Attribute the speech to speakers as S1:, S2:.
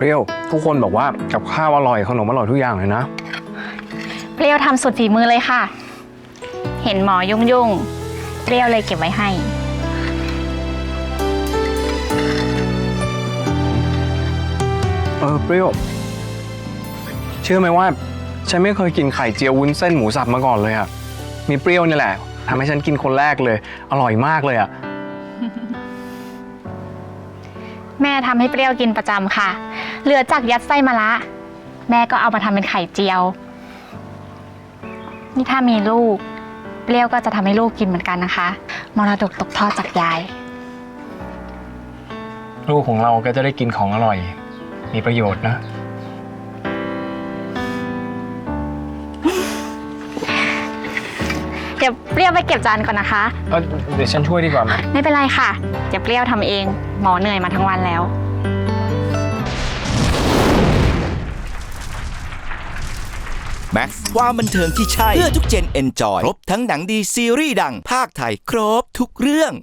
S1: เปรี้ยวทุกคนบอกว่ากับข้าวอร่อยขนมอร่อยทุกอย่างเลยนะ
S2: เปรี้ยวทำสุดฝีมือเลยค่ะเห็นหมอยุ่งเปรี้ยวเลยเก็บไว้ให้
S1: เปรี้ยวเชื่อไหมว่าฉันไม่เคยกินไข่เจียววุ้นเส้นหมูสับมาก่อนเลยอะมีเปรี้ยวนี่แหละทำให้ฉันกินคนแรกเลยอร่อยมากเลยอะ
S2: แม่ทำให้เปรี้ยวกินประจำค่ะเหลือจากยัดไส้มะระแม่ก็เอามาทำเป็นไข่เจียวนี่ถ้ามีลูกเปรี้ยวก็จะทำให้ลูกกินเหมือนกันนะคะมรดกตกทอดจากยาย
S1: ลูกของเราก็จะได้กินของอร่อยมีประโยชน์นะ
S2: เดี๋ยวเปรี้ยวไปเก็บจานก่อนนะคะ
S1: เดี๋ยวฉันช่วยดีกว่าไหม
S2: ไม่เป็นไรค่ะเดี๋ยวเปรี้ยวทำเองหมอเหนื่อยมาทั้งวันแล้ว
S3: แม็กซ์ความบันเทิงที่ใช่เพื่อทุกเจนเอนจอยครบทั้งหนังดีซีรีส์ดังภาคไทยครบทุกเรื่อง